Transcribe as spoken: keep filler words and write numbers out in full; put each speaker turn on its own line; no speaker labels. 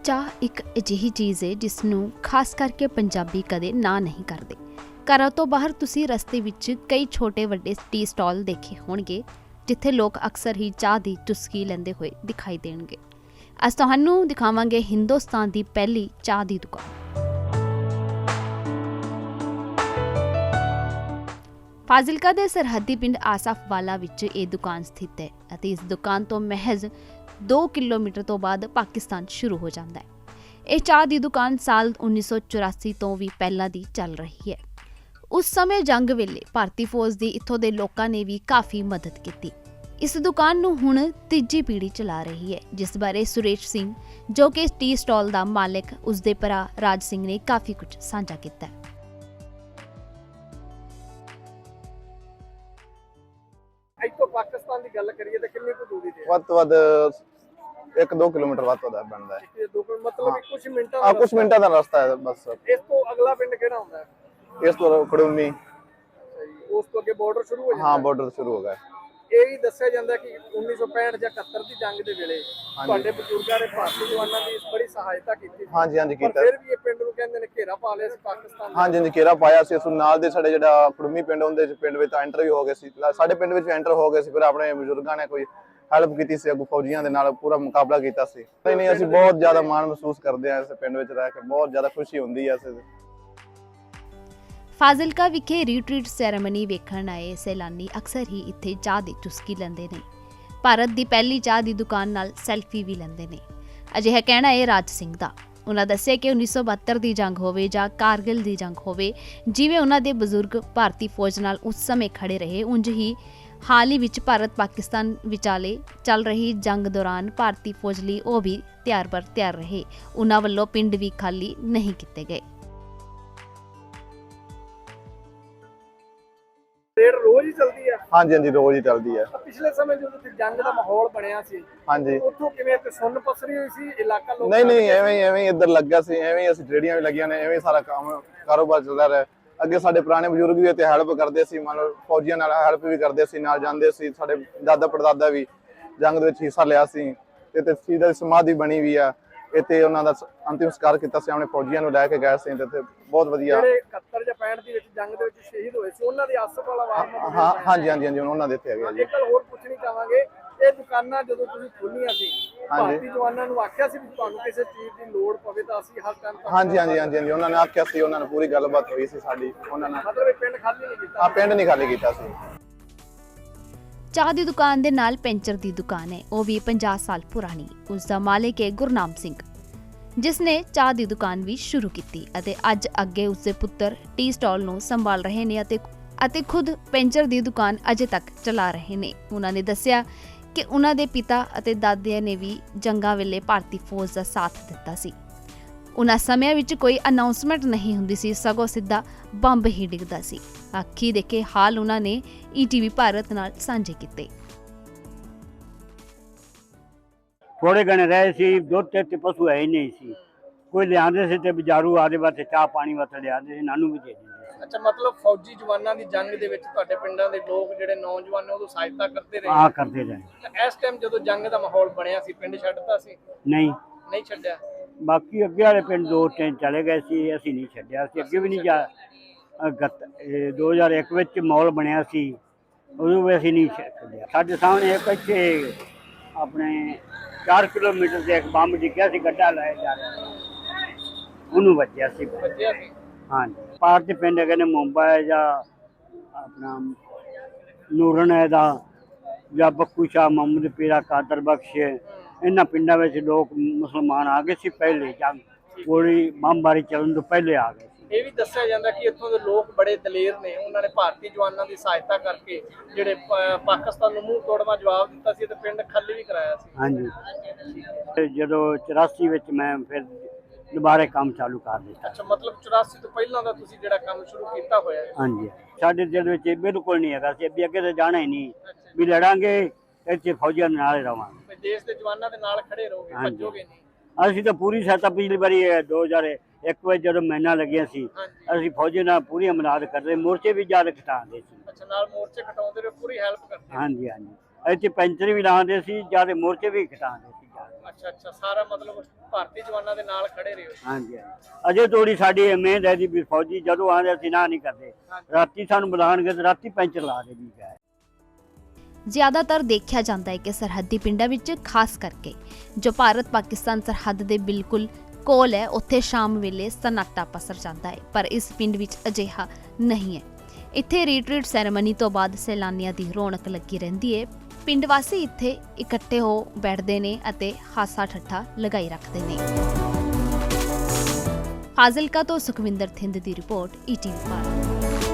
ਚਾਹ ਇੱਕ ਅਜਿਹੀ ਚੀਜ਼ ਹੈ ਜਿਸ ਨੂੰ ਖਾਸ ਕਰਕੇ ਪੰਜਾਬੀ ਕਦੇ ਨਾ ਨਹੀਂ ਕਰਦੇ। ਘਰਾਂ ਤੋਂ ਬਾਹਰ ਤੁਸੀਂ ਰਸਤੇ ਵਿੱਚ ਕਈ ਛੋਟੇ ਵੱਡੇ ਟੀ ਸਟਾਲ ਦੇਖੇ ਹੋਣਗੇ ਜਿੱਥੇ ਲੋਕ ਅਕਸਰ ਹੀ ਚਾਹ ਦੀ ਚੁਸਕੀ ਲੈਂਦੇ ਹੋਏ ਦਿਖਾਈ ਦੇਣਗੇ। ਅੱਜ ਤੁਹਾਨੂੰ ਦਿਖਾਵਾਂਗੇ ਹਿੰਦੁਸਤਾਨ ਦੀ ਪਹਿਲੀ ਚਾਹ ਦੀ ਦੁਕਾਨ। ਫਾਜ਼ਿਲਕਾ ਦੇ ਸਰਹੱਦੀ ਪਿੰਡ ਆਸਫ ਵਾਲਾ ਵਿੱਚ ਇਹ ਦੁਕਾਨ ਸਥਿਤ ਹੈ ਅਤੇ ਇਸ ਦੁਕਾਨ ਤੋਂ ਮਹਿਜ਼ ਦੋ ਕਿਲੋਮੀਟਰ ਤੋਂ ਬਾਅਦ ਪਾਕਿਸਤਾਨ ਸ਼ੁਰੂ ਹੋ ਜਾਂਦਾ ਹੈ। ਇਹ ਚਾਹ ਦੀ ਦੁਕਾਨ ਸਾਲ ਉੱਨੀ ਸੌ ਚੁਰਾਸੀ ਤੋਂ ਵੀ ਪਹਿਲਾਂ ਦੀ ਚੱਲ ਰਹੀ ਹੈ। ਉਸ ਸਮੇਂ ਜੰਗ ਵੇਲੇ ਭਾਰਤੀ ਫੌਜ ਦੀ ਇੱਥੋਂ ਦੇ ਲੋਕਾਂ ਨੇ ਵੀ ਕਾਫੀ ਮਦਦ ਕੀਤੀ। ਇਸ ਦੁਕਾਨ ਨੂੰ ਹੁਣ ਤੀਜੀ ਪੀੜ੍ਹੀ ਚਲਾ ਰਹੀ ਹੈ, ਜਿਸ ਬਾਰੇ ਸੁਰੇਸ਼ ਸਿੰਘ ਜੋ ਕਿ ਟੀ ਸਟਾਲ ਦਾ ਮਾਲਕ ਉਸਦੇ ਭਰਾ ਰਾਜ ਸਿੰਘ ਨੇ ਕਾਫੀ ਕੁਝ ਸਾਂਝਾ ਕੀਤਾ ਹੈ।
ਇੱਥੋਂ ਪਾਕਿਸਤਾਨ ਦੀ ਗੱਲ ਕਰੀਏ ਤਾਂ ਕਿੰਨੀ ਕੁ ਦੂਰੀ ਤੇ?
ਵੱਧ ਤੋਂ ਵੱਧ ਇੱਕ ਦੋ ਕਿਲੋਮੀਟਰ ਵੱਧ ਤੋਂ ਵੱਧ ਬਣਦਾ ਹੈ।
ਇਹ ਦੋ ਮਤਲਬ ਕੁਝ ਮਿੰਟਾਂ
ਹਾਂ, ਕੁਝ ਮਿੰਟਾਂ ਦਾ ਰਸਤਾ ਹੈ ਬਸ।
ਇਸ ਤੋਂ ਅਗਲਾ ਪਿੰਡ ਕਿਹੜਾ ਹੁੰਦਾ ਹੈ?
ਇਸ ਤੋਂ ਖੜੂਮੀ।
ਉਸ ਤੋਂ ਅੱਗੇ ਬਾਰਡਰ ਸ਼ੁਰੂ ਹੋ ਜਾਂਦਾ?
ਹਾਂ, ਬਾਰਡਰ ਸ਼ੁਰੂ ਹੋ ਗਿਆ।
ਇਹ ਵੀ ਦੱਸਿਆ ਜਾਂਦਾ ਕਿ ਉੱਨੀ ਸੌ ਪੈਂਹਠ ਜਾਂ ਇਕਹੱਤਰ ਦੀ ਜੰਗ ਦੇ ਵੇਲੇ ਤੁਹਾਡੇ ਬਜ਼ੁਰਗਾਂ ਨੇ ਭਾਰਤੀ ਜਵਾਨਾਂ ਦੀ ਬੜੀ ਸਹਾਇਤਾ ਕੀਤੀ।
ਹਾਂਜੀ ਹਾਂਜੀ ਕੀਤਾ।
ਫਿਰ ਵੀ ਇਹ ਪਿੰਡ ਨੂੰ ਕਹਿੰਦੇ ਨੇ ਘੇਰਾ ਪਾ ਲਿਆ ਸੀ ਪਾਕਿਸਤਾਨ ਨੇ।
ਹਾਂਜੀ ਹਾਂਜੀ ਘੇਰਾ ਪਾਇਆ ਸੀ। ਉਸ ਨਾਲ ਦੇ ਸਾਡੇ ਜਿਹੜਾ ਖੜੂਮੀ ਪਿੰਡ ਹੁੰਦੇ ਸੀ, ਪਿੰਡ ਵਿੱਚ ਐਂਟਰ ਵੀ ਹੋ ਗਏ ਸੀ। ਸਾਡੇ ਪਿੰਡ ਵਿੱਚ ਐਂਟਰ ਹੋ ਗਏ ਸੀ। ਫਿਰ ਆਪਣੇ ਬਜ਼ੁਰਗਾਂ ਨੇ ਕੋਈ ਹੈਲਪ ਕੀਤੀ ਸੀ, ਅੱਗੋਂ ਫੌਜੀਆਂ ਦੇ ਨਾਲ ਪੂਰਾ ਮੁਕਾਬਲਾ ਕੀਤਾ ਸੀ। ਨਹੀਂ ਨਹੀਂ ਅਸੀਂ ਬਹੁਤ ਜ਼ਿਆਦਾ ਮਾਣ ਮਹਿਸੂਸ ਕਰਦੇ ਹਾਂ ਇਸ ਪਿੰਡ ਵਿੱਚ ਰਹਿ ਕੇ। ਬਹੁਤ ਜ਼ਿਆਦਾ ਖੁਸ਼ੀ ਹੁੰਦੀ ਹੈ।
ਫਾਜ਼ਿਲਕਾ ਵਿਖੇ ਰੀਟਰੀਟ ਸੈਰੇਮਨੀ ਵੇਖਣ ਆਏ ਸੈਲਾਨੀ ਅਕਸਰ ਹੀ ਇੱਥੇ ਚਾਹ ਦੀ ਚੁਸਕੀ ਲੈਂਦੇ ਨੇ। ਭਾਰਤ ਦੀ ਪਹਿਲੀ ਚਾਹ ਦੀ ਦੁਕਾਨ ਨਾਲ ਸੈਲਫੀ ਵੀ ਲੈਂਦੇ ਨੇ। ਅਜਿਹਾ ਕਹਿਣਾ ਹੈ ਰਾਜ ਸਿੰਘ ਦਾ। ਉਹਨਾਂ ਦੱਸਿਆ ਕਿ ਉੱਨੀ ਸੌ ਬਹੱਤਰ ਦੀ ਜੰਗ ਹੋਵੇ ਜਾਂ ਕਾਰਗਿਲ ਦੀ ਜੰਗ ਹੋਵੇ, ਜਿਵੇਂ ਉਹਨਾਂ ਦੇ ਬਜ਼ੁਰਗ ਭਾਰਤੀ ਫੌਜ ਨਾਲ ਉਸ ਸਮੇਂ ਖੜੇ ਰਹੇ, ਉਂਝ ਹੀ ਹਾਲ ਹੀ ਵਿੱਚ ਭਾਰਤ ਪਾਕਿਸਤਾਨ ਵਿਚਾਲੇ ਚੱਲ ਰਹੀ ਜੰਗ ਦੌਰਾਨ ਭਾਰਤੀ ਫੌਜ ਲਈ ਉਹ ਵੀ ਤਿਆਰ ਬਰ ਤਿਆਰ ਰਹੇ। ਉਹਨਾਂ ਵੱਲੋਂ ਪਿੰਡ ਵੀ ਖਾਲੀ ਨਹੀਂ ਕੀਤੇ ਗਏ।
ਰੇਡ ਰੋਜ਼ ਹੀ ਚੱਲਦੀ ਹੈ?
ਹਾਂਜੀ ਹਾਂਜੀ ਰੋਜ਼ ਹੀ ਚੱਲਦੀ ਹੈ।
ਪਿਛਲੇ ਸਮੇਂ ਜਦੋਂ ਤੇ ਜੰਗ ਦਾ ਮਾਹੌਲ ਬਣਿਆ ਸੀ,
ਹਾਂਜੀ,
ਉੱਥੋਂ ਕਿਵੇਂ ਤੇ ਸੁੰਨ ਪਸਰੀ ਹੋਈ ਸੀ ਇਲਾਕਾ ਲੋਕ?
ਨਹੀਂ ਨਹੀਂ ਐਵੇਂ ਐਵੇਂ ਇੱਧਰ ਲੱਗਾ ਸੀ। ਐਵੇਂ ਅਸੀਂ ਰੇੜੀਆਂ ਵੀ ਲੱਗੀਆਂ ਨੇ, ਐਵੇਂ ਸਾਰਾ ਕੰਮ ਕਾਰੋਬਾਰ ਚੱਲਦਾ ਰਿਹਾ। ਅੱਗੇ ਸਾਡੇ ਪੁਰਾਣੇ ਬਜ਼ੁਰਗ ਵੀ ਇੱਥੇ ਹੈਲਪ ਕਰਦੇ ਸੀ, ਮੰਨ ਲਓ ਫੌਜੀਆਂ ਨਾਲ ਹੈਲਪ ਵੀ ਕਰਦੇ ਸੀ, ਨਾਲ ਜਾਂਦੇ ਸੀ। ਸਾਡੇ ਦਾਦਾ ਪੜਦਾਦਾ ਵੀ ਜੰਗ ਦੇ ਵਿੱਚ ਹਿੱਸਾ ਲਿਆ ਸੀ। ਤੇ ਇੱਥੇ ਸ਼ਹੀਦਾਂ ਦੀ ਸਮਾਧੀ ਬਣੀ ਵੀ ਆ। ਇੱਥੇ ਉਹਨਾਂ ਦਾ ਅੰਤਿਮ ਸੰਸਕਾਰ ਕੀਤਾ ਸੀ, ਆਪਣੇ ਫੌਜੀਆਂ ਨੂੰ ਲੈ ਕੇ ਗਏ ਸੀ। ਤੇ ਬਹੁਤ ਵਧੀਆ।
ਜਿਹੜੇ ਇਕਹੱਤਰ ਜਾਂ ਪੈਂਹਠ ਦੀ ਵਿੱਚ ਜੰਗ ਦੇ ਵਿੱਚ ਸ਼ਹੀਦ ਹੋਏ ਸੀ, ਉਹਨਾਂ ਦੀ ਆਸਫ ਵਾਲਾ ਵਾਰ
ਹਾਂ ਹਾਂਜੀ ਹਾਂਜੀ ਹਾਂਜੀ ਉਹਨਾਂ ਦੇ ਇੱਥੇ ਹੈਗੇ ਜੀ।
ਇੱਕ ਗੱਲ ਹੋਰ ਪੁੱਛਣੀ ਚਾਹਾਂਗੇ, ਇਹ ਦੁਕਾਨਾਂ ਜਦੋਂ ਤੁਸੀਂ ਖੋਲੀਆਂ ਸੀ, ਭਾਰਤੀ ਜਵਾਨਾਂ ਨੂੰ ਆਖਿਆ ਸੀ ਵੀ ਤੁਹਾਨੂੰ ਕਿਸੇ ਚੀਜ਼ ਦੀ ਲੋੜ ਪਵੇ ਤਾਂ ਅਸੀਂ ਹਰ ਟਾਈਮ?
ਹਾਂਜੀ ਹਾਂਜੀ ਹਾਂਜੀ ਹਾਂਜੀ ਉਹਨਾਂ ਨੇ ਆਖਿਆ ਸੀ। ਉਹਨਾਂ ਨਾਲ ਪੂਰੀ ਗੱਲਬਾਤ ਹੋਈ ਸੀ ਸਾਡੀ ਉਹਨਾਂ ਨਾਲ।
ਮਤਲਬ ਇਹ ਪਿੰਡ ਖਾਲੀ ਨਹੀਂ ਕੀਤਾ?
ਹਾਂ, ਪਿੰਡ ਨਹੀਂ ਖਾਲੀ ਕੀਤਾ ਸੀ।
ਚਾਹ ਦੀ ਦੁਕਾਨ ਦੇ ਨਾਲ ਪੈਂਚਰ ਦੀ ਦੁਕਾਨ ਹੈ, ਉਹ ਵੀ ਪੰਜਾਹ ਸਾਲ ਪੁਰਾਣੀ। ਉਸ ਦਾ ਮਾਲਕ ਹੈ ਗੁਰਨਾਮ ਸਿੰਘ, ਜਿਸ ਨੇ ਚਾਹ ਦੀ ਦੁਕਾਨ ਵੀ ਸ਼ੁਰੂ ਕੀਤੀ ਅਤੇ ਅੱਜ ਅੱਗੇ ਉਸਦੇ ਪੁੱਤਰ ਟੀ ਸਟਾਲ ਨੂੰ ਸੰਭਾਲ ਰਹੇ ਨੇ ਅਤੇ ਅਤੇ ਖੁਦ ਪੈਂਚਰ ਦੀ ਦੁਕਾਨ ਅਜੇ ਤੱਕ ਚਲਾ ਰਹੇ ਨੇ। ਉਹਨਾਂ ਨੇ ਦੱਸਿਆ ਕਿ ਉਹਨਾਂ ਦੇ ਪਿਤਾ ਅਤੇ ਦਾਦਿਆਂ ਨੇ ਵੀ ਜੰਗਾਂ ਵੇਲੇ ਭਾਰਤੀ ਫੌਜ ਦਾ ਸਾਥ ਦਿੱਤਾ ਸੀ। ਉਹਨਾਂ ਸਮਿਆਂ ਵਿੱਚ ਕੋਈ ਅਨਾਉਂਸਮੈਂਟ ਨਹੀਂ ਹੁੰਦੀ ਸੀ, ਸਗੋਂ ਸਿੱਧਾ ਬੰਬ ਹੀ ਡਿੱਗਦਾ ਸੀ। ਅੱਖੀ ਦੇਖੇ ਹਾਲ ਉਹਨਾਂ ਨੇ ਈ ਟੀ ਵੀ ਭਾਰਤ ਨਾਲ ਸਾਂਝੇ ਕੀਤੇ।
ਥੋੜੇ ਗਣੇ ਰਹੇ ਸੀ, ਦੁੱਧ ਤੇ ਪਸ਼ੂ ਹੈ ਹੀ ਨਹੀਂ ਸੀ। ਕੋਈ ਲਿਆਂਦੇ ਸੀ ਤੇ ਬਜ਼ਾਰੂ ਆਦੇ ਵਾਸਤੇ ਚਾਹ ਪਾਣੀ ਵਾਸਤੇ ਲਿਆਂਦੇ ਸੀ, ਨਾਨੂੰ ਵੀ ਦੇ ਦਿੰਦੇ ਸੀ।
ਅੱਛਾ, ਮਤਲਬ ਫੌਜੀ ਜਵਾਨਾਂ ਦੀ ਜੰਗ ਦੇ ਵਿੱਚ ਤੁਹਾਡੇ ਪਿੰਡਾਂ ਦੇ ਲੋਕ ਜਿਹੜੇ ਨੌਜਵਾਨ ਨੇ ਉਦੋਂ ਸਹਾਇਤਾ ਕਰਦੇ ਰਹੇ?
ਹਾਂ, ਕਰਦੇ ਰਹੇ।
ਇਸ ਟਾਈਮ ਜਦੋਂ ਜੰਗ ਦਾ ਮਾਹੌਲ ਬਣਿਆ ਸੀ, ਪਿੰਡ ਛੱਡਤਾ ਸੀ?
ਨਹੀਂ
ਨਹੀਂ ਛੱਡਿਆ।
ਬਾਕੀ ਅੱਗੇ ਵਾਲੇ ਪਿੰਡ ਦੋ ਤਿੰਨ ਚਲੇ ਗਏ ਸੀ, ਅਸੀਂ ਨਹੀਂ ਛੱਡਿਆ। ਅਸੀਂ ਅੱਗੇ ਵੀ ਨਹੀਂ ਜਾ ਦੋ ਹਜ਼ਾਰ ਇੱਕ ਵਿੱਚ ਮਾਹੌਲ ਬਣਿਆ ਸੀ, ਉਦੋਂ ਵੀ ਅਸੀਂ ਨਹੀਂ ਛੱਡਿਆ। ਸਾਡੇ ਸਾਹਮਣੇ ਇੱਕ ਇੱਥੇ ਆਪਣੇ ਚਾਰ ਕਿਲੋਮੀਟਰ ਤੇ ਇੱਕ ਬੰਬ ਡਿੱਗਿਆ ਸੀ, ਗੱਡਾ ਲਾਇਆ ਜਾ ਰਿਹਾ, ਉਹਨੂੰ ਵੱਜਿਆ ਸੀ।
ਵੱਜਿਆ ਸੀ? ਹਾਂਜੀ।
ਪਾਰ ਦੇ ਪਿੰਡ ਹੈਗੇ ਨੇ ਮੁੰਬਈ ਜਾਂ ਆਪਣਾ ਨੂਰਨ ਹੈ ਦਾ ਜਾਂ ਬੱਕੂ ਸ਼ਾਹ, ਮੁਹੰਮਦ ਪੀਰਾ, ਕਾਦਰ ਬਖਸ਼, ਇਹਨਾਂ ਪਿੰਡਾਂ ਵਿੱਚ ਲੋਕ ਮੁਸਲਮਾਨ ਆ ਗਏ ਸੀ ਪਹਿਲੇ। ਜੰਗ ਗੋਲੀ ਬੰਬਾਰੀ ਚੱਲਣ ਤੋਂ ਪਹਿਲੇ ਆ ਗਏ ਸੀ।
ਇਹ ਵੀ ਦੱਸਿਆ ਜਾਂਦਾ ਕਿ ਇੱਥੋਂ ਦੇ ਲੋਕ ਬੜੇ ਦਲੇਰ ਨੇ, ਉਹਨਾਂ ਨੇ ਭਾਰਤੀ ਜਵਾਨਾਂ ਦੀ ਸਹਾਇਤਾ ਕਰਕੇ ਜਿਹੜੇ ਪਾਕਿਸਤਾਨ ਨੂੰ ਮੂੰਹ ਤੋੜਵਾ ਜਵਾਬ ਦਿੱਤਾ ਸੀ ਤੇ ਪਿੰਡ ਖਾਲੀ ਵੀ ਕਰਾਇਆ ਸੀ।
ਹਾਂਜੀ, ਜਦੋਂ ਚੁਰਾਸੀ ਵਿੱਚ ਮੈਂ ਫਿਰ ਦੁਬਾਰੇ ਕੰਮ ਚਾਲੂ ਕਰ ਦਿੱਤਾ।
ਅੱਛਾ, ਮਤਲਬ ਚੁਰਾਸੀ ਤੋਂ ਪਹਿਲਾਂ ਦਾ ਤੁਸੀਂ ਜਿਹੜਾ ਕੰਮ ਸ਼ੁਰੂ ਕੀਤਾ ਹੋਇਆ ਹੈ?
ਹਾਂਜੀ, ਸਾਡੇ ਦਿਲ ਵਿੱਚ ਇਹ ਬਿਲਕੁਲ ਨਹੀਂ ਹੈਗਾ ਸੀ ਵੀ ਅੱਗੇ ਤਾਂ ਜਾਣਾ ਹੀ ਨਹੀਂ, ਵੀ ਲੜਾਂਗੇ ਇੱਥੇ ਫੌਜਾਂ ਦੇ ਨਾਲ ਰਵਾਂਗੇ,
ਦੇਸ਼ ਦੇ ਜਵਾਨਾਂ ਦੇ ਨਾਲ ਖੜੇ ਰਹੋਗੇ, ਭੱਜੋਗੇ ਨਹੀਂ।
ਅਸੀਂ ਤਾਂ ਪੂਰੀ ਸਹਾਇਤਾ ਪਿਛਲੀ ਵਾਰੀ ਦੋ ਹਜ਼ਾਰ ਇੱਕ ਵਿੱਚ ਜਦੋਂ ਮਹੀਨਾ ਲੱਗਿਆ ਸੀ, ਅਸੀਂ ਫੌਜੀ ਨਾਲ ਪੂਰੀ ਮਦਦ ਕਰਦੇ, ਮੋਰਚੇ ਵੀ ਜ਼ਿਆਦਾ ਖਟਾਉਂਦੇ ਸੀ।
ਅੱਛਾ, ਨਾਲ ਮੋਰਚੇ ਖਟਾਉਂਦੇ ਰਹੇ, ਪੂਰੀ ਹੈਲਪ ਕਰਦੇ?
ਹਾਂਜੀ ਹਾਂਜੀ, ਇੱਥੇ ਪੈਂਚਰ ਵੀ ਲਾਉਂਦੇ ਸੀ, ਜ਼ਿਆਦਾ ਮੋਰਚੇ ਵੀ ਖਟਾਉਂਦੇ ਸੀ।
ਅੱਛਾ ਅੱਛਾ, ਸਾਰਾ ਮਤਲਬ ਭਾਰਤੀ ਜਵਾਨਾਂ ਦੇ ਨਾਲ ਖੜੇ ਰਹੇ ਹੋ।
ਹਾਂਜੀ ਹਾਂਜੀ। ਅਜੇ ਤੋੜੀ ਸਾਡੀ ਉਮੀਦ ਹੈ ਜੀ ਵੀ ਫੌਜੀ ਜਦੋਂ ਆਉਂਦੇ ਅਸੀਂ ਨਾ ਨਹੀਂ ਕਰਦੇ, ਰਾਤੀ ਸਾਨੂੰ ਬੁਲਾਉਣਗੇ ਤੇ ਰਾਤੀ ਪੈਂਚਰ ਲਾ ਦੇ ਵੀ ਗਏ।
ਜ਼ਿਆਦਾਤਰ ਦੇਖਿਆ ਜਾਂਦਾ ਹੈ ਕਿ ਸਰਹੱਦੀ ਪਿੰਡਾਂ ਵਿੱਚ ਖਾਸ ਕਰਕੇ ਜੋ ਭਾਰਤ ਪਾਕਿਸਤਾਨ ਸਰਹੱਦ ਦੇ ਬਿਲਕੁਲ ਕੋਲ ਹੈ, ਉੱਥੇ ਸ਼ਾਮ ਵੇਲੇ ਸਨਾਟਾ ਪਸਰ ਜਾਂਦਾ ਹੈ, ਪਰ ਇਸ ਪਿੰਡ ਵਿੱਚ ਅਜਿਹਾ ਨਹੀਂ ਹੈ। ਇੱਥੇ ਰੀਟਰੀਟ ਸੈਰੇਮਨੀ ਤੋਂ ਬਾਅਦ ਸੈਲਾਨੀਆਂ ਦੀ ਰੌਣਕ ਲੱਗੀ ਰਹਿੰਦੀ ਹੈ। ਪਿੰਡ ਵਾਸੀ ਇੱਥੇ ਇਕੱਠੇ ਹੋ ਬੈਠਦੇ ਨੇ ਅਤੇ ਹਾਸਾ ਠੱਠਾ ਲਗਾਈ ਰੱਖਦੇ ਨੇ। ਫਾਜ਼ਿਲਕਾ ਤੋਂ ਸੁਖਵਿੰਦਰ ਥਿੰਦ ਦੀ report E T V Bharat.